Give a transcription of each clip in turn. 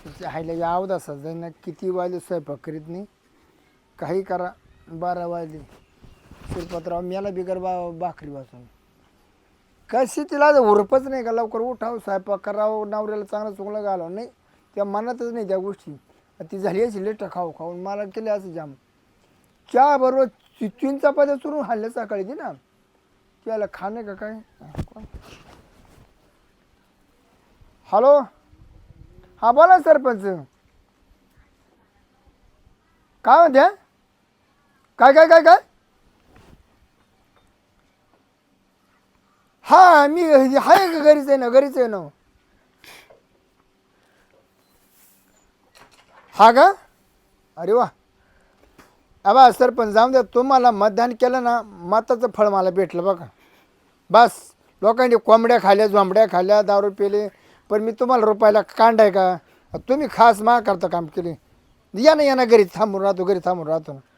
तिच्या हायला यावं असं ना किती वाजले स्वयंपाक करीत नाही काही करा 12 वाजले शिरपतराव मेला बिगर भाकरी वाचून कशी तिला उरपच नाही का लवकर उठाव स्वयंपाक करावं नवऱ्याला चांगलं चुंगलं घालावं नाही त्या मनातच नाही त्या गोष्टी ती झाली अशी लेट खाऊ खाऊन मला केले असं जाम चहा बरोबर 3 चपात्या चुरून खाल्ल्या सकाळी ती ना त्याला खाणे का काय हॅलो हा बोला सरपंच काय म्हणते काय काय काय काय हा मी आहे का घरीच आहे ना घरीच आहे ना हा का अरे वा अबा सरपंच जाऊन द्या तुम्हाला मतदान केलं ना मताचं फळ मला भेटलं बघा बस लोकांनी कोंबड्या खाल्ल्या झोंबड्या खाल्ल्या दारू पेले पण मी तुम्हाला रुपायला कांडाय का तुम्ही खास मा करता काम केले या ना घरी थांबून राहतो घरी थांबून राहतो ना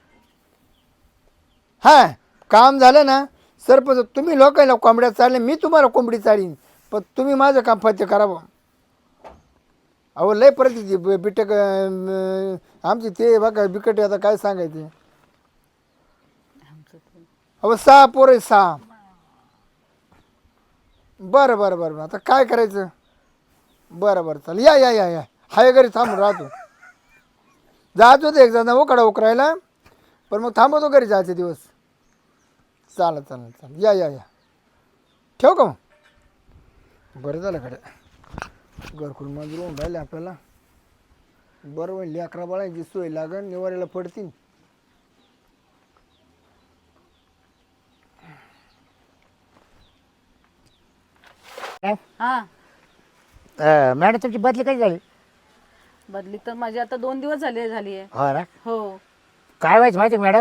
हां काम झालं ना सरपंच तुम्ही लोकांना कोंबड्या चालले मी तुम्हाला कोंबडी चालीन पण तुम्ही माझं काम फत्ते करावं अहो लय परिस्थिती बिटक आमची ते बघा बिकट आता काय सांगायचे अहो 6 पोरं 6 बरं बरं बरं आता काय करायचं बरं बरं चालेल या हाय घरी थांबून राहतो जायचो ते एक जण उकरायला पण मग थांबवतो घरी जायचे दिवस चालेल या ठेव का मग बरं झालं कडे घरकुल मंजूर होऊन राहिले आपल्याला बरं होईल 11 बाळांची सोय लागन निवाऱ्याला पडतील हा मॅडम तुमची बदली कधी झाली बदली तर माझी आता 2 दिवस झाली आहे. हो ना हो काय व्हायचं माहिती मॅडम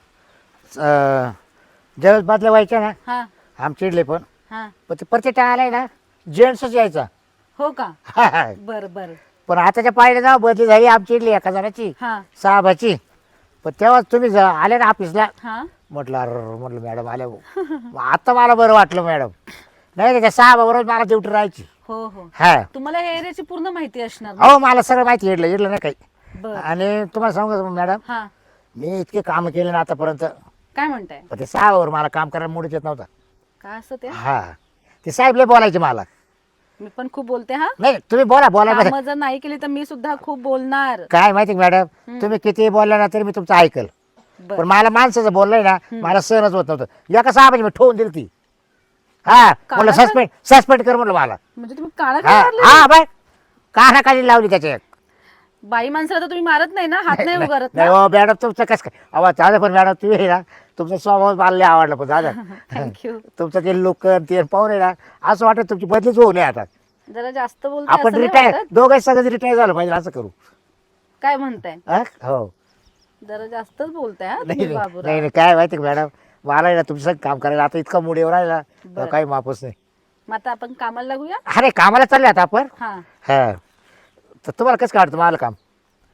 ज्यावेळेस बदल्या व्हायच्या ना हा आम चिडले पण हा ते प्रत्येक आलाय ना जेंट्सच यायचा हो का बर बर पण आताच्या पाहिजे जाऊ बदली झाली आम चिडली एका जणाची हा साहेबाची पण तेव्हाच तुम्ही आले ना ऑफिसला हा म्हटलं अरे म्हटलं मॅडम आल्या भाऊ आता मला बरं वाटलं मॅडम नाही त्या साहेबाबरोबर मला ड्युटी राहायची हो हो हा तुम्हाला या एरियाची पूर्ण माहिती असणार ना? हो मला सगळं माहिती इडलं नाही काही बर आणि तुम्हाला सांगू का मॅडम हा मी इतके काम केले ना आतापर्यंत काय म्हणताय पण ते साहेबावर मला काम करायला मुडच येत नव्हता काय असं ते हा ते साहेब लय बोलायचे मला मी पण खूप बोलते हा नाही तुम्ही बोला कामं जर नाही केली तर मी सुद्धा खूप बोलणार काय माहिती मॅडम तुम्ही किती बोलला ना तरी मी तुमचं ऐकल बर पण मला माणसाचं बोललंय ना मला सहनच होत नव्हतं एका साहेबाची मी ठेवून दिली ती हा म्हटलं सस्पेंड कर म्हटलं मला म्हणजे तुम्ही काळा हा काय मारले? हा बाय कानाखाली लावली त्याच्या बाई माणसाला तर तुम्ही मारत नाही ना हात नाही उगारत नाही ना हो मॅडम तुमचं कसं काय आवाज झालं पण मॅडम तुम्ही आहे ना तुमचा स्वभाव मला लय आवडला पण झालं थँक्यू तुमचं ते लोक ते पाहून आहे ना असं वाटत तुमची बदलीच होऊ नये आता जरा जास्त बोलते आपण असं नाही रिटायर वाटत? दोघं सगळं रिटायर झालं पाहिजे असं करू काय म्हणताय हा? हो जरा जास्तच बोलताय हा नाही तुम्ही नाही बाबूराव. नाही, काय माहिती का मॅडम मला आहे ना तुमचं काम करायला आता इतका मूड येऊ राहिला बरं. काही माफच नाही मग आता आपण कामाला लागूया अरे कामाला चालले आता आपण हा हा तर तुम्हाला कसं काढतं मला काम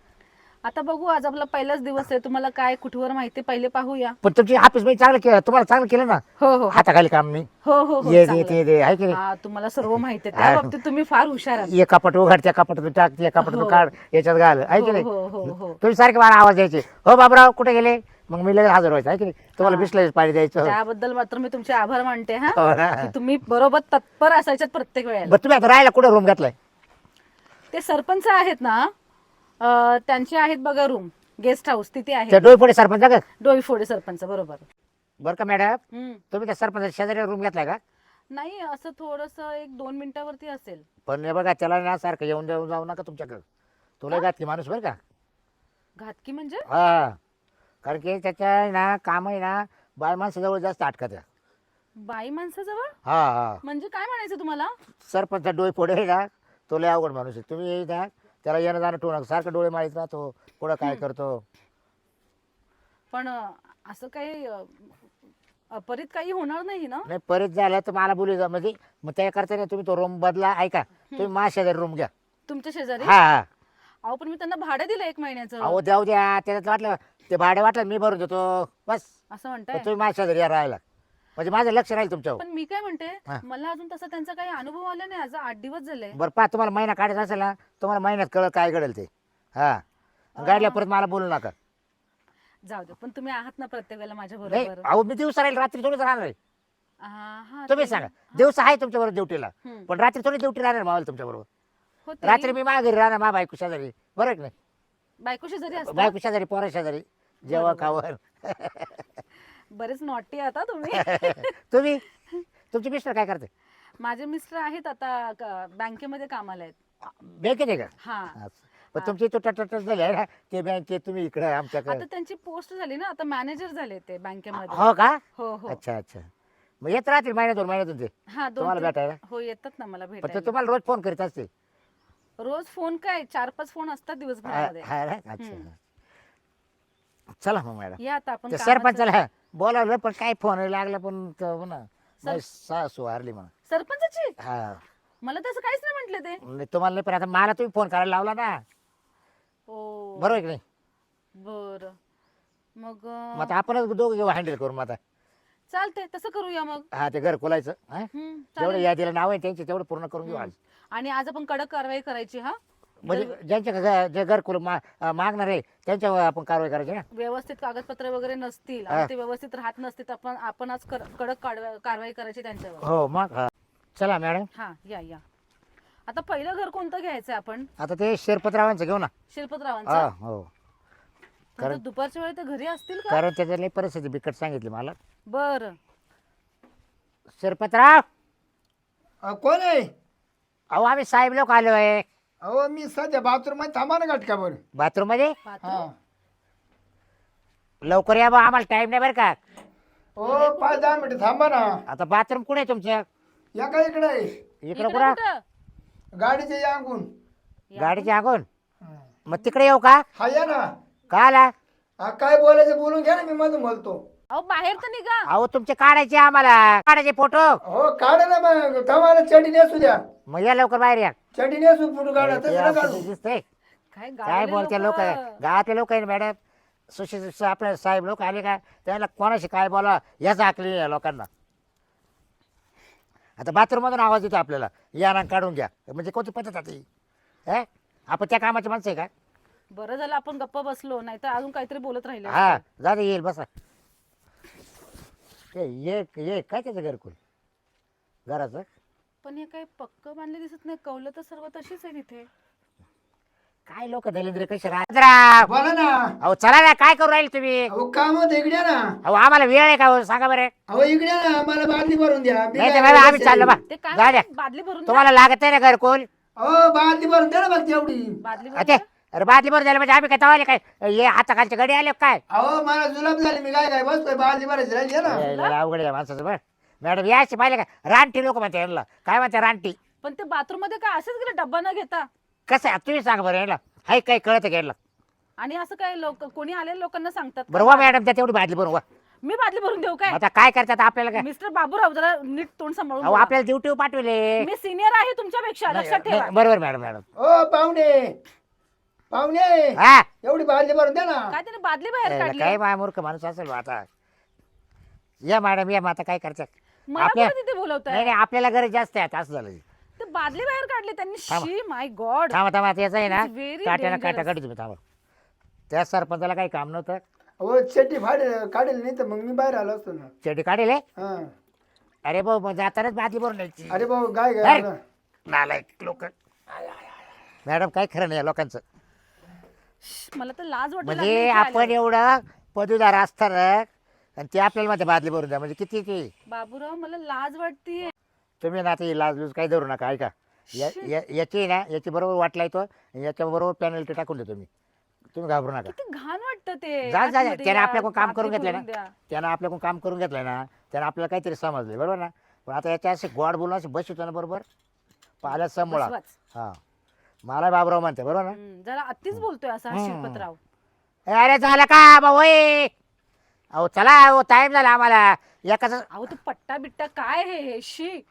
आता बघू आज आपला पहिलाच दिवस आहे तुम्हाला काय कुठवर माहिती पहिले पाहूया पण तुमची ऑफिस मध्ये चांगलं केलं तुम्हाला चांगलं केलं ना हो हो हाताखाली काम नाही हो हो हो ये दे चांगलं. ते दे आहे की नाही हा तुम्हाला सर्व माहिती आहे त्या बाबतीत तुम्ही फार हुशार आहात एक कपाट उघड त्या कपाटातून टाक त्या कपाटातून हो. काढ याच्यात घाल आहे की हो नाही हो हो हो तुम्ही सारखे मला आवाज द्यायचे हो बाबराव कुठे गेले मग मी लगेच हजर व्हायचं आहे की नाही तुम्हाला बिस्लरीच पाणी द्यायचं त्याबद्दल मात्र मी तुमचे आभार मानते हा हो ना. की तुम्ही बरोबर तत्पर असायच्यात प्रत्येक वेळेला बरं तुम्ही आता राहायला कुठे रूम घेतलाय ते सरपंच आहेत ना त्यांचे आहेत बघा रूम गेस्ट हाऊस तिथे त्या आहे डोईफोडे सरपंच का डोईफोडे सरपंच बरोबर बरं का मॅडम हम्म. तुम्ही त्या सरपंच शेजारी रूम घेतलाय का नाही असं थोडस 1-2 मिनिटावरती असेल पण हे बघा त्याला ना सारखं येऊन जाऊन जाऊ नका तुमच्याकडे तुला घातली माणूस बरं का घातकी म्हणजे हा कारण की त्याच्या आहे ना काम आहे ना बाय माणसाजवळ जास्त अटकत आहे. बाई माणसाजवळ हा हा म्हणजे काय म्हणायचं तुम्हाला सरपंच डोईफोडे आहे ना तो लय अवघड माणूस आहे तुम्ही ना त्याला येणं जाणं ठेवू नका सारखं डोळे मारीत राहतो पुढं काय करतो पण असं काही अपरित काही होणार नाही ना नाही परत झालं तर मला बोलू जा म्हणजे मग त्या करता नाही तुम्ही तो रूम बदला ऐका तुम्ही माझ्या शेजारी रूम घ्या तुमच्या शेजारी हा हा अहो पण मी त्यांना भाडं दिलं 1 महिन्याचं अहो द्याऊ द्या त्याच्यात वाटलं ते भाडे वाटलं मी भरून देतो बस असं पण म्हणताय तुम्ही माझ्या शेजारी या राहायला म्हणजे माझं लक्ष राहील तुमच्यावर. पण मी काय म्हणते, हा. मला अजून तसा त्यांचा काही अनुभव आला नाही. आज 8 दिवस झाले. बरं पहा, तुम्हाला महिना काढायचा असेल ना, तुम्हाला महिन्यात कळत काय घडेल ते. हा गाडीला परत मला बोलू नका. जाऊ दे, पण तुम्ही आहात ना प्रत्येक वेळेला माझ्या नाही बरोबर. अहो मी दिवसा राहील, रात्री थोडीच राहणार आहे. हा, तुम्ही ते- सांगा, दिवस आहे तुमच्या बरोबर ड्युटीला, हम्म. पण रात्री थोडी ड्युटी राहणार मावल तुमच्या बरोबर. हो, ते- रात्री मी माझ्या घरी राहणार, मा बायको शेजारी, बरोबर की नाही? बायकोशी जरी असता. बायको शेजारी, पोरा शेजारी, जेव्हा खावर. बरेच नॉटी आता तुम्ही. तुम्ही तुमचे मिस्टर काय करते? माझे मिस्टर आहेत आता बँकेमध्ये कामाला आहेत. बँकेत आहे का? हा, असं. पण तुमची तो टट झाली आहे ना, ते बँकेत तुम्ही इकडे आमच्याकडे. आता त्यांची पोस्ट झाली ना, आता मॅनेजर झाले ते बँकेमध्ये. हो का? हो हो. अच्छा अच्छा. मग येत राहतील महिन्यातून महिन्यातून ते हा, तुम्हाला भेटायला? हो, येतात ना मला पण ते भेटायला. तुम्हाला रोज फोन करीत असते? रोज फोन काय 4-5 फोन असतात दिवसभरामध्ये. हा ना? अच्छा. चला मग मॅडम, या आता आपण ते कामाचं- सरपंचाला बोलावलं पण काय फोन लागला, पण तो हो ना माझी सासू हारली म्हणा. सरपंचाची हा मला तसं काहीच नाही म्हटले ते. नाही तुम्हाला नाही, पण आता मला तुम्ही फोन करायला लावला ना, हो, बरोबर आहे की नाही? बर. मग मग आता आपणच दोघं घेऊ हँडल करू मग आता. चालते, तसं करूया मग. हा ते घर खोलायचं, हा हम्म, जेवढं चालेल. यादीला नाव आहे त्यांचे तेवढं पूर्ण करून घेऊ आज. आणि आज आपण कडक कारवाई करायची. हा, म्हणजे ज्यांच्या जे घरकुल मागणार आहे त्यांच्यावर आपण कारवाई करायची ना. व्यवस्थित कागदपत्र वगैरे नसतील आणि ते व्यवस्थित राहत नसतील तर आपण आज कडक कारवाई करायची त्यांच्यावर. हो मग हा. चला मॅडम, हा, या. आता पहिलं घर कोणतं घ्यायचं आपण? आता ते शिरपतरावांचं घेऊ ना. हा शिल्पतरावांचं. हो, आता दुपारच्या वेळी ते घरी असतील का? कारण त्याच्यातली परिस्थिती बिकट सांगितली मला. बर. शिरपतराव, कोण आहे? अहो आम्ही साहेब लोक आलो आहे. अहो मी सध्या बाथरूम मध्ये थांबा ना घटकावर. बाथरूम मध्ये. हा. लवकर या बा, आम्हाला टाइम नाही बरं का. हो 5-10 मिनिटं थांबा ना. आता बाथरूम कुठे आहे तुमचं? या का इकडे आहे? इकडे इकडे कुठं? कुठं? गाडीच्या यांगून. गाडीच्या आगून. मग तिकडे येऊ का? हा या ना. का आला? हा, काय बोलायचं बोलून घ्या ना, मी मधून बोलतो. अहो, बाहेर तर निघा. अहो तुमचे काढायचे आम्हाला, काढायचे फोटो. हो काढा ना, मग थांबाला चडी नेसू द्या. मग या लवकर बाहेर या. चडी नेसू फोटो काढा, ते तसं नका काढू. दिसतंय काय काय गावाले बोलते लोक, गावातले लोक आहे ना मॅडम. सुशिक्षित आपले साहेब लोक आले का, त्याला कोणाशी काय बोला याच आकली या लोकांना. आता बाथरूम मधून आवाज येतो आपल्याला, या ना काढून घ्या. म्हणजे कोणती पद्धत आता ही? आपण त्या कामाची माणसं आहे का? बरं झालं आपण गप्प बसलो, नाही तर अजून काहीतरी बोलत राहिले. हा जा दे, येईल बसा. ये काय त्याचं घरकुल घराचं? पण हे काही पक्क बांधले दिसत नाही. कौलं तर सर्व तशीच आहे तिथे. काय लोक दलिंद्र कसे राहत. बोला ना. अहो चला ना, काय करू राहील तुम्ही? अहो काम होतं, इकडे या ना. अहो आम्हाला वेळ आहे का हो? सांगा बरं. अहो इकडे या ना, मला बादली भरून द्या. मी नाही काय तर बाबा आम्ही बोलायचं चाललो बा. आहे? ते काय जा द्या. म्हणतात? बादली भरून द्या. तुम्हाला लागत आहे ना घरकुल? अहो बादली भरून द्या ना बघ तेवढी. बादली भरून अरे द्या. अरे बादली बरं झालं म्हणजे आम्ही काय तवाले काय ये हाताखालच्या गडी आले काय? अहो मला जुलाब झाली, मी काय बसतोय, बादली भरायची राहिली आहे ना. लय अवघड आहे माणसाचं बरं. मॅडम यायचे पाहिले का, रानटी लोक म्हणते यांना. काय म्हणते रानटी? पण ते बाथरूम मध्ये काय असेच गेले डब्बा न घेता? कसं आहे तुम्ही सांगा बरं यायला, हाय काय कळतं का यायला? आणि असं काय लोक कोणी आलेल्या लोकांना सांगतात का? बरं वा मॅडम, त्या तेवढी बादली बरोबर वा. मी बादली भरून देऊ काय? आता काय करतात आपल्याला काय? मिस्टर बाबूराव, जरा नीट तोंड सांभाळून अहो बोला. आपल्याला ड्युटी पाठवले. मी सिनियर आहे तुमच्यापेक्षा, लक्षात ठेवा. नाही, बरोबर मॅडम मॅडम. ओ पाहुणे हा एवढी बादली भरून द्या ना. काय त्याने बादली बाहेर काय काढली? माय मूर्ख माणूस असेल बा आता. या मॅडम या, मग आता काय करतात? मला आपल्या- कोणी तिथे बोलवताय? नाही आपल्याला गरज जास्त आहे, आता असं झालं. ते बादली बाहेर काढली त्यांनी. थांबा. शी माय गॉड. थांबा थांबा, याचं आहे ना It's very काट्याला dangerous. काटा काढी तुम्ही थांबा. त्या सरपंचाला काही काम नव्हतं, अहो चड्डी काढेल नाही तर मग मी बाहेर आलो असतो ना. चेटी काढेल हे? हा. अरे भाऊ मग जातानाच बादली भरून न्यायची. अरे भाऊ काय अरे. काय नालायक लोक. मॅडम काय खरं नाही या लोकांचं. मला तर लाज वाटत म्हणजे आपण एवढं पदवीदार असताना आणि ते आपल्याला मध्ये बादली भरून द्या, म्हणजे किती ते. बाबूराव मला लाज वाटतीये. तुम्ही ना ते लाज लूज काही धरू नका, ऐका. याची ना याची बरोबर वाटला येतो, याच्या बरोबर पेनल्टी टाकून देतो मी. तुम्ही घाबरू नका. किती घाण वाटतं ते. जा आतमध्ये त्याने या, आपल्याकडून काम करून बादली घेतलं भरून ना, द्या. त्यानं आपल्याकडून काम करून घेतलंय ना, त्यानं आपल्याला काहीतरी समजलं बरोबर ना. पण आता याच्या असे गोड बोलून असे बसवतो ना बरोबर, पाहिल्या समोळा. बसवाच. हा मला बाबराव म्हणते बरोबर ना. जरा अतिच बोलतोय असा हा शिल्पतराव. अरे झालं का भाऊ? अहो चला, अहो टाइम झाला आम्हाला. एकाच अहो तू पट्टा बिट्टा काय हे शी.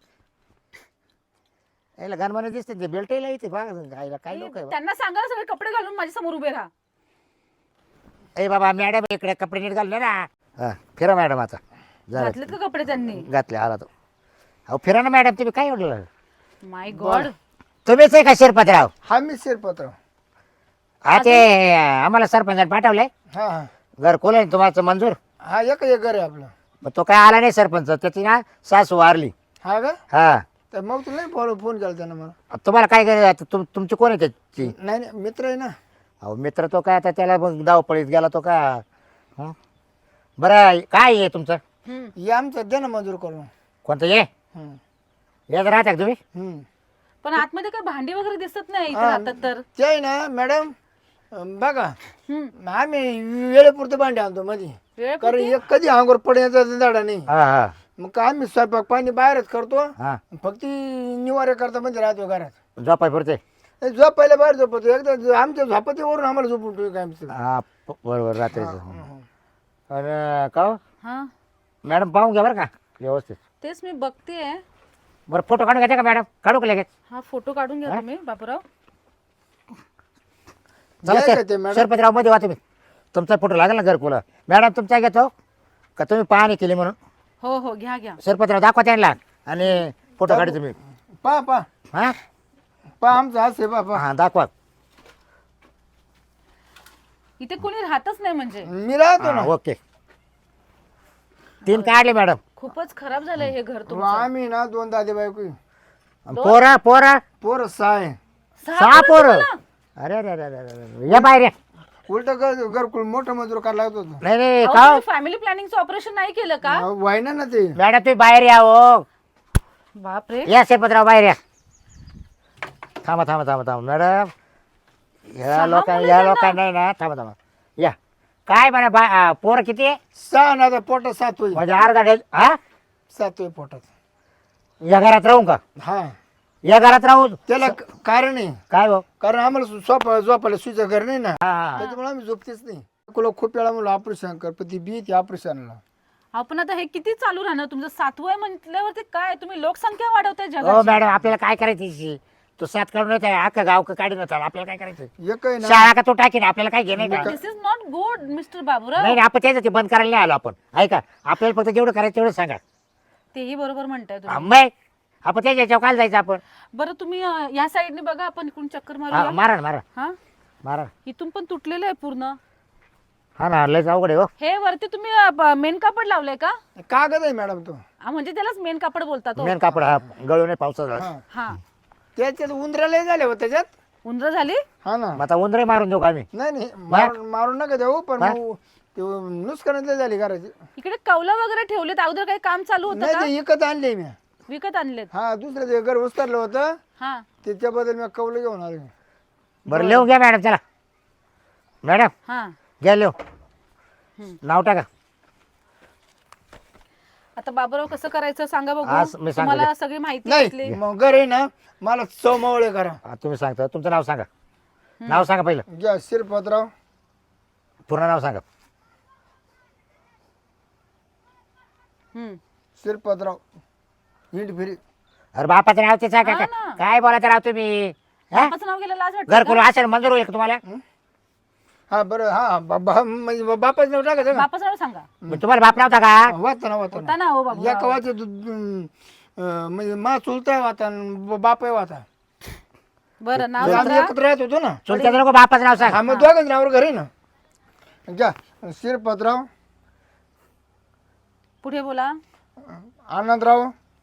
याला गणमाने दिसते ते बेल्ट इथे बघा काय लोक आहे. त्यांना सांगा ना, सगळे कपडे घालून माझ्या समोर उभे राहा. ए बाबा मॅडम इकडे कपडे नीट घालले ना. हा फिरा मॅडम आता. झालं. घातलेत का कपडे त्यांनी? घातले आला तो. अहो फिरा ना मॅडम, तुम्ही काय म्हटलं? My god. तुम्हीच आहे का शिरपतराव? हा मी शिरपतराव. हा ते आम्हाला सरपंचाने पाठवलंय. हा हा घरकुल आहे तुम्हाला मंजूर. हा एक घर आहे आपलं. मग तो काय आला नाही सरपंच, त्याची ना सासू वारली. हा का? हा तर मग तुला नाही फोन केला त्यानं मला. तुम्हाला काय करायचं? तुमची कोण आहे त्याची? नाही नाही मित्र आहे ना. अहो मित्र तो काय आता त्याला मग धावपळीत गेला तो का. हं? बरं काय आहे तुमचं? हे आमचं दे ना मंजूर करून. कोणतं ये हम्म. यात राहता का तुम्ही? हम्म. पण आतमध्ये काय भांडी वगैरे दिसत नाही इथे हा, राहतात तर. ते आहे ना मॅडम, बघा हम्म. आम्ही वेळेपुरतं भांडे आणतो मध्ये. वेळ कारण एक कधी अंगोर पडण्याचा झाडा नाही. हा हा मग काय आम्ही स्वयंपाक पाणी बाहेरच करतो. हा फक्त निवारे करता मध्ये राहतो घरात. झोपाय पुरते. झोप पहिल्या बाहेर झोपतो. एकदा आमच्या झोपतीवरून आम्हाला झोपून ठेवू काय आमचं. हा बरोबर रात्रीचं. अरे का हो? हा मॅडम पाहून घ्या बरं का व्यवस्थित. तेच मी बघतेय. बरं फोटो काढून घ्यायचा का मॅडम? काढू का लगेच? हा फोटो काढून घ्या तुम्ही बाबूराव. चला घ्या का ते मॅडम? सरपंचराव मध्ये वा तुम्ही. तुमचा फोटो लागेल ना घरकुला. मॅडम तुमचा घेतो का तुम्ही पाहणी केली म्हणून? हो हो घ्या घ्या. सरपंचराव दाखवा त्यांना आणि फोटो काढू तुम्ही. पा हा आमचा हाच आहे पा. हा दाखवा. इथे कोणी राहतच नाही म्हणजे. मी राहतो ना. हा, ओके. 3 काढले मॅडम. खूपच खराब झालंय हे घर तुमचं. आम्ही ना 2 दादे बायको. पोरा पोरा पोर 6 आहे. 6 पोरं. अरे अरे अरे अरे अरे. या बाहेर या. उलट घरकुल मोठं मंजूर करायला लागत होतं. नाही नाही का फॅमिली प्लॅनिंगचं ऑपरेशन नाही केलं का? व्हायना ना ते. मॅडम तुम्ही बाहेर या हो. बापरे. या सरपंचराव बाहेर या. थांबा थांबा थांबा थांबा मॅडम. या लोकांना नाही ना. थांबा थांबा या. काय म्हणा पोरं किती आहे? 6 ना आता पोटात 7 होईल. म्हणजे अर्धा डेल. हा 7 होईल पोटात. या घरात राहू का? हा या घरात राहू. त्याला कारण आहे. काय भाऊ? कारण आम्हाला झोपायला सुईचं घर नाही ना. हा त्याच्यामुळे आम्ही झोपतेच नाही. खूप वेळा म्हणलं ऑपरेशन कर, पण ती बी ती ऑपरेशनला. आपण आता हे किती चालू राहणार? तुमचं 7वं आहे म्हटल्यावरती काय तुम्ही लोकसंख्या वाढवताय हो जगाची. मॅडम आपल्याला काय करायची? तो 7 काढून येत अख्खा गाव काढून येतात. आपल्याला काय करायचं? एक आहे ना. शाळा का तो टाकीन आपल्याला काय घेणे का? This is not good mister Baburao. नाही आपण त्याचं ते बंद करायला नाही आलो आपण. ऐका आपल्याला फक्त जेवढं करायचं तेवढं सांगा. तेही बरोबर म्हणताय तुम्ही. मग आपण त्याच्या याच्यावर काय जायचं आपण? बरं तुम्ही या साईडने बघा, आपण इकडून चक्कर हा, मारूया. मारा ना मारा हा मारा. इथून पण तुटलेलं आहे पूर्ण. हा ना लयच अवघड आहे हो. हे वरती तुम्ही मेन कापड लावलंय का? कागद आहे मॅडम तो. म्हणजे त्यालाच मेन कापड बोलतात. मेन कापड हा गळू नाही पावसाचा. हा हा त्याच्यात उंदराला झाले हो त्याच्यात. उंदर झाली. हा ना. मग आता उंदरे मारून देऊ का आम्ही? नाही मारून नका देऊ, पण मग ते नुसकानातले झाली घराची. इकडे कौला वगैरे ठेवलेत. अगोदर काही काम चालू होतं नाही का? ते विकत आणले मी. विकत आणलेत. हा दुसरं ते घर उचललं होतं हा त्याच्याबद्दल मी कौलं घेऊन आलो. बरं लिहून घ्या मॅडम. चला मॅडम हा घ्या लिहू. नाव टाका. आता बाबूराव कसं करायचं सांगा बघू. आज मी सांगतो. तुम्हाला सगळी माहिती नाही असली. मग घर आहे ना, मला चौमावळे करा. हा, तुम्ही सांगता तुमचं नाव सांगा. नाव सांगा पहिलं. घ्या शिरपतराव. पूर्ण नाव सांगा. शिरपतराव हिंड फिरी. अरे बापाचं नाव ते सांगा. हा ना. काय बोलायचं राव तुम्ही? बापाचं नाव गेलं लाज वाटते घरकुल का? असेल मंजूर होईल का तुम्हाला? हा बरं. हा म्हणजे बापाच नाव टाकायचं का? बापाचं नाव सांगा. मग तुम्हाला बाप नव्हता का? वाचा ना होता ना हो बाबू. या कवाचे म्हणजे मा चुलताय वाता बापाय वाता. बरं नाव आम्ही सांगा. एकत्र राहत होतो ना. चुलत्याचं नको बापाचं नाव सांग. हा मग दोघांच नावावर घर आहे ना. घ्या शिरपतराव पुढे बोला. आनंदराव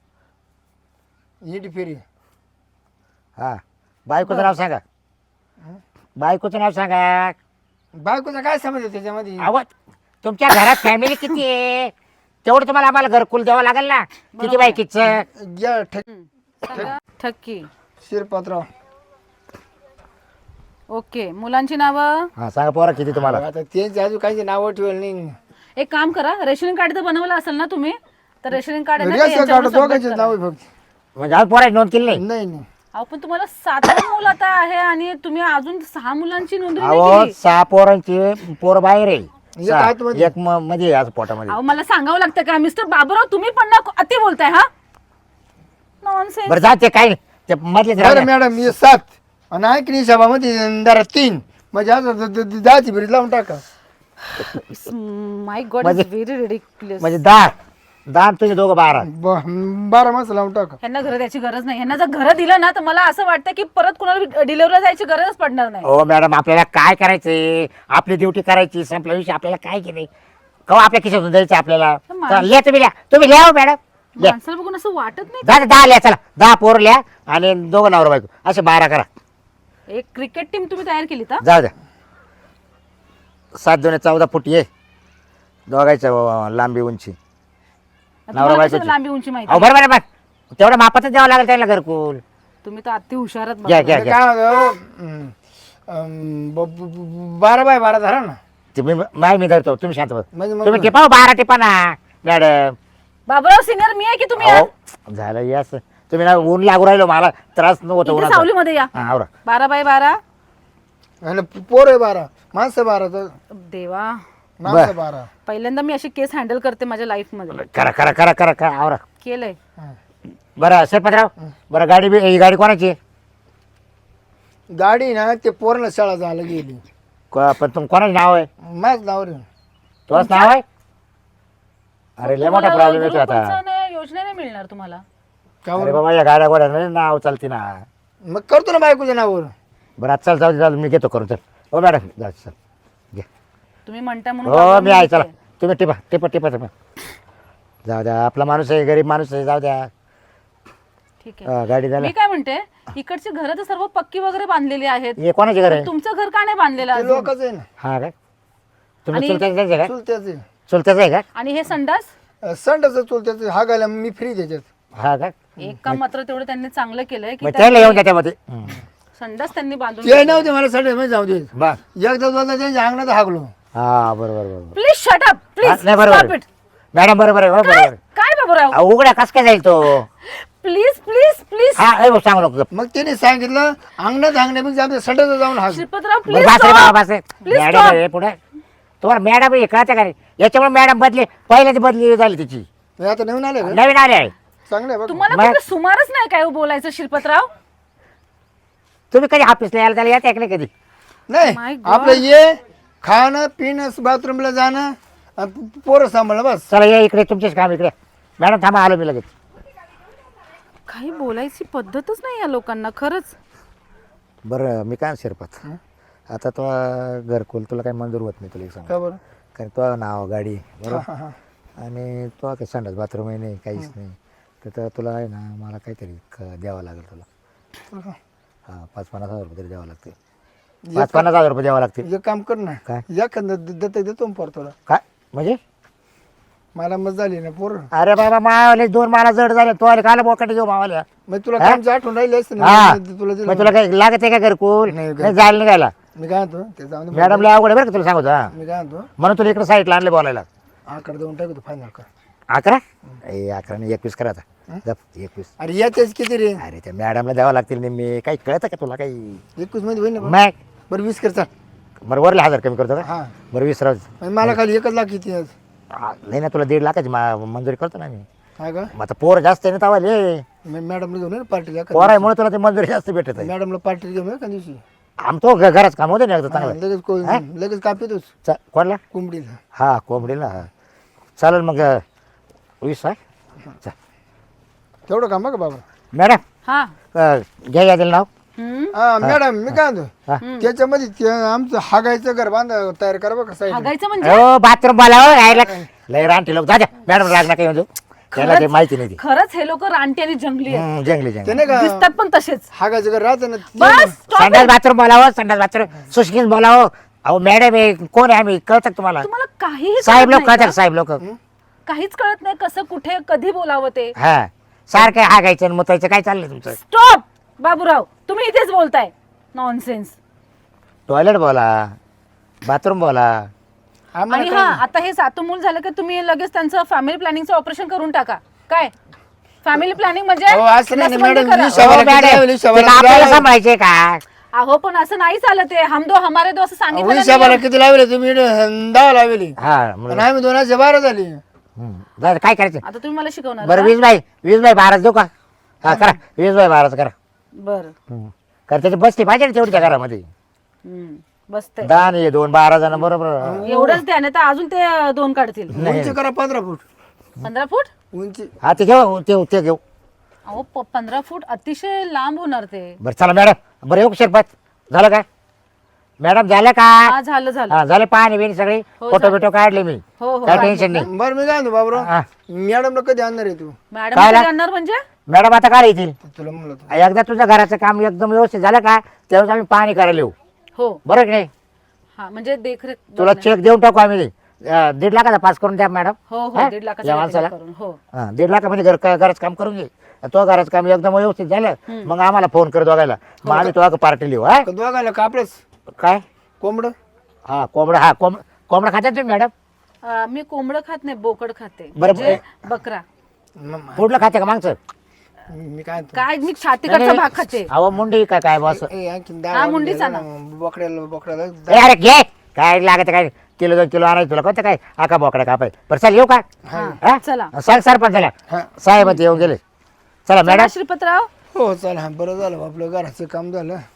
हिंड फिरी. हा बायकोचं नाव सांगा. बायकोचं नाव सांगा. बायकोचा काय समज त्याच्यामध्ये? आवाज तुमच्या घरात फॅमिली किती आहे तेवढं तुम्हाला आम्हाला घरकुल द्यावं लागेल ना. किती बायकीचं? घ्या सांगा. ठक्की. शिरपतराव. ओके. मुलांची नावं. हा सांगा पोरा किती तुम्हाला? आता त्यांची अजून काही नावं ठेवलं नाही. एक काम करा, रेशनिंग कार्ड तर बनवलं असेल ना तुम्ही, तर रेशनिंग कार्ड आहे ना ते रेशन कार्ड यांच्यावर submit दोघांचे करा. नाव आहे फक्त. म्हणजे आज पोराची नोंद केली नाही? नाही नाही अहो पण तुम्हाला 7वं मूल आता आहे आणि तुम्ही अजून 6 मुलांची नोंदणी नाही अहो केली. 6 पोरांची पोर बाहेर आहे. एक आतमध्ये. एक मध्ये आज पोटामध्ये. अहो मला सांगावं लागतं का मिस्टर बाबूराव, तुम्ही पण ना अति बोलताय. हा नॉनसेन्स. बरं जाते काय नाही. ते मधलेच राहू बरं द्या. मॅडम हे 7 आणि ऐकणी सभामध्ये जरा 3 म्हणजे आता 10ची भरीत लावून टाका. माय गॉड इज म्हणजे- व्हेरी रिडिक्युलस. म्हणजे 10 दान तुझे दोघं 12. 12 माणसं लावून टाका. ह्यांना घर द्यायची गरज नाही. ह्यांना जर घर दिलं ना तर मला असं वाटतं की परत कुणाला डिलिव्हरीला जायची गरजच पडणार नाही. हो मॅडम, आपल्याला काय करायचंय? आपली ड्युटी करायची, संपल्या विषयी आपल्याला काय केलंय? कवा आपल्या खिशातून द्यायचं आपल्याला? चला, लिहा तुम्ही लिहा मॅडम. माणसाला बघून असं वाटत नाही. 10 लिहा, चला 10 पोर लिहा आणि 2 नवरा बायको असे 12 करा. एक क्रिकेट टीम तुम्ही तयार केली का? जाऊ द्या. 7 2 14 फूट ये दोघायचं लांबी उंची. तुम्हाला बायकोची. कशाला लांबी उंची माहिती? अहो बरोबर आहे, बस तेवढं मापातच द्यावं लागेल त्याला घरकुल. तुम्ही तर अति हुशारात घ्या घ्या मी घ्या. काय म्हणतो, 12 बाय 12 धरा ना. मी धरतो, तुम्ही शांत बसा. म्हणजे मग तुम्ही टिपा 12 टिपा ना मॅडम. बाबूराव सिनियर मी आहे की तुम्ही आहे? अहो, झालं यास तुम्ही ना ऊन लागू राहिलो, मला त्रास नव्हता इथे उन्हाचा. सावलीमध्ये या. हा, आवरा. 12 बाय 12. आणि पोर आहे 12, माणसं 12, तर देवा, माणसं 12. पहिल्यांदा मी अशी केस हँडल करते माझ्या लाईफ मध्ये. करा करा करा करा करा आवरा. केलंय. बरं सरपंचराव, बरं ही गाडी कोणाची आहे? गाडी ना ते पोराला शाळा जायला गेली. पण कोणाचं नाव आहे? माझं नाव रे. तुझंच नाव आहे? अरे लय मोठा प्रॉब्लेम येतो आता. योजना नाही मिळणार तुम्हाला. अरे बाबा, या गाड्या गोड्या नाही नाव चालते ना. मग करतो ना बायकोच्या नावावर. बरं आता चल, जाऊ चाल, मी घेतो करून. चल हो मॅडम, जा चल घे. तुम्ही म्हणता म्हणून हो बाबूराव मी आहे, चला घेते. तुम्ही टिपा टिपा टिपा टिपा. जाऊ द्या, आपला माणूस आहे, गरीब माणूस आहे, जाऊ द्या. ठीक आहे. गाडी झाला. मी काय म्हणते, इकडची घरं तर सर्व पक्की वगैरे बांधलेली आहेत. हे कोणाचे घर आहे? तुमचं घर का नाही बांधलेलं ते अजून? लोकच आहे ना. हा काय तुम्ही आणि- चुलत्याचं आहे का? चुलत्याचे चुलत्याचं आहे का? आणि हे संडास संडाचं चुलत्याचं हा गायला मी फ्री त्याच्यात. हा का? एक काम मात्र तेवढं त्यांनी चांगलं केलंय की मग त्याला येऊन द्या त्यामध्ये. संडास त्यांनी बांधून ते नव्हते मला संडास मध्ये जाऊ दे. बा एकदा दोनदा त्यांच्या अंगणात हागलो. हा बरोबर बरोबर. Please shut up please. नाही बरोबर मॅडम, बरोबर आहे, हो बरोबर. काय बाबूराव, अहो, उघड्या कस काय जाईल तो? Please please please. हा हे बघ, सांगू नको. मग त्याने सांगितलं अंगणात हागण्यापेक्षा आमच्या संडास जाऊन हाग. श्रीपतराव बरं, प्लीज बस रे बाबा, बस रे. Please madam stop. आहे पुढे. तुम्हाला मॅडम हे कळतं का नाही? याच्यामुळे मॅडम बदली, पहिल्याची बदली झाली तिची, हे आता नवीन आले का? नवीन आले आहे. चांगलं आहे बघ. तुम्हाला मग- कुठे सुमारच नाही काय हो बोलायचं श्रीपतराव? तुम्ही कधी ऑफिसला यायला त्याला येते का नाही कधी? My नाही God. आपलं ये खाणं पिणं बाथरूमला जाणं आणि पोरं सांभाळणं बस. चला या इकडे, तुमचेच काम इकडे. मॅडम थांबा, आलो मी लगेच. काही बोलायची पद्धतच नाही या लोकांना खरंच. बरं मी काय शिरपात, आता तो घरकुल तुला काही मंजूर होत नाही, तुला एक सांग. का बरं? कारण तो नाव गाडी बरोबर, हा, हा. आणि तो काही संडास बाथरूम आहे नाही, काहीच नाही. तर तुला आहे ना, मला काहीतरी द्यावं लागेल तुला. हां 5-50 हजार रुपये तरी द्यावं लागते. 5-50 हजार रुपये द्यावं लागतील. एक काम कर ना, काय? एखादं दत्तक देतो पोर तुला. काय म्हणजे? मला मत झाली ना पोर. अरे बाबा, मावाले 2 मला जड झाले, तो आले काला बोकाटे घेऊ मावाल्या. मग तुला हा? कामची आठवण राहिली असते ना, हा तुला दिलं. मग तुला काही लागत आहे का घरकुल? नाही, नाही जायला निघायला. मी काय म्हणतो ते जाऊन दे. मॅडमला अवघड आहे बरं का, तुला सांगतो. हा मी काय म्हणतो म्हणून तुला इकडे साईडला आणले बोलायला. आकडे देऊन टाकतो फायनल कर. 11? ए 11 नाही 21 करा आता. जप 21. अरे याच्याच किती रे? अरे त्या मॅडमला द्यावं लागतील नेहमी. काही कळतं का तुला काही? 21 मध्ये होईल ना बरं? मॅक बरं 20 कर चाल. बरं वरले 1000 कमी करतो का? हा बरं 20 राहू. आणि मला खाली 1 लाख किती आज? नाही ना, तुला 1.5 लाखाची मंजुरी करतो ना मी. हा का? मग आता पोर जास्त आहे ना तवाले. मॅडमला घेऊन पार्टीला पोरामुळे तुला ते मंजुरी जास्त भेटत आहे. मॅडमला पार्टी घेऊन एका दिवशी. आमचं घराच काम होतं ना एकदा हा, चांगलं. लगेच कापितोच कोणला? कोंबडीला. हा कोंबडीला. हा चालेल मग 20 आहे. चल तेवढं काम का बाबा? मॅडम, हा घ्या यादील नाव. हम्म. हा मॅडम मी काय म्हणतो हा. त्याच्यामध्ये आमचं हागायचं घर तयार करा बघा साईड. हागायचं म्हणजे हो बाथरूम बोलावं राहायला. लय रानटी लोक जा मॅडम, राग नका म्हणजे त्याला ते माहिती नाही ती. खरंच हे लोक रानटी आणि जंगली आहेत. जंगली ते जंगली. नाही का दिसतात पण तसेच. हागायचं घर राहतं ना ते- बस stop संडास it. बाथरूम बोलावं, संडास बाथरूम सुशकीन बोलावं. अहो मॅडम हे कोण आहे आम्ही, कळतं का तुम्हाला? तुम्हाला काहीही साहेब कळत लोक नाही कळतात का? का? साहेब लोक. काहीच कळत नाही कसं कुठे कधी बोलावं ते. हा सारखं हागायचं आणि मुतायचं काय चाललंय तुमचं? स्टॉप बाबूराव, तुम्ही इथेच बोलताय नॉनसेन्स. टॉयलेट बोला, बाथरूम बोला. आम्हाला आणि हा आता हे सातू मूल झालं की तुम्ही लगेच त्यांचं फॅमिली प्लॅनिंगचं ऑपरेशन करून टाका. काय फॅमिली प्लॅनिंग म्हणजे? हो, असं नाही ना, नसबंदी मॅडम, करा. ही शब्द- हो, किती मॅडम, लावली, ते शबाला आपल्याला किती सांभाळायचे का? अहो पण असं नाही चालत आहे. हम दो हमारे दो असं सांगितलं ना हिशोबाला मी. किती लावले तुम्ही? 10 लावली हा आणि आम्ही 2,12 झाली. जाऊ दे, काय करायचं? आता तुम्ही मला शिकवणार बरं का? 20/12 देऊ का? हा करा 20/12 करा. बरं. कारण त्याची बसली पाहिजे ना तेवढी त्या घरामध्ये. बसते दान हे 2-12 जण बरोबर. एवढंच द्या नाही तर अजून ते 2 काढतील. उंची करा 15 फूट. 15 फूट उंची हा ते घेऊ ते घेऊ. अहो 15 फूट अतिशय लांब होणार ते. बरं चला मॅडम, बरं येऊ शरबत झालं का मॅडम, झालं का? हा झालं झालं. हा झाले, पाणी बिणी सगळे हो, फोटो झालं. बिटो काढले मी, हो हो काय टेन्शन नाही. बरं मी काय म्हणतो बाबराव, हा. मॅडमला कधी आणणार आहे तू? मॅडम काय कधी आणणार म्हणजे? मॅडम आता काय येतील? तुला म्हणलं होतं. एकदा तुझं घराचं काम एकदम व्यवस्थित झालं का त्यावेळेस आम्ही पाणी करायला येऊ, हो बरं की नाही? हा म्हणजे देखरेख तुला चेक देऊन टाकू आम्ही, 1.5 लाखाचा पास करून द्या मॅडम. हो हो हा? 1.5 लाखाचं या देखरेख माणसाला करून हो. 1.5 लाखामध्ये घराचं काम करून घे. तो घराचं काम एकदम व्यवस्थित झालं मग आम्हाला फोन कर दोघायला, मग आम्ही तुला पार्टी लिहू. हा का दोघायला कापडच काय? कोंबड हा कोंबडा, हा कोंबडा खात्यात तुम्ही मॅडम? मी कोंबडं खात नाही, बोकड खाते, बरं, म्हणजे बकरा. पुढलं खाते का मागचं? मी काय म्हणतो, काय मी छातीकडचा भाग खाते. अहो मुंडी काय काय बस? आणखीन हा, मुंडीचा ना. बोकड्याला अरे घे, काय लागत काय, किलो 2 किलो आणायचं तुला कोणतं काय आका बोकडा कापाय. बरं चल येऊ का? हा? चला सांग सरपंचाला, हा. साहेब येऊन गेले. चला चला मॅडम. श्रीपतराव. हो चला, बरं झालं आपलं घराचं काम झालं.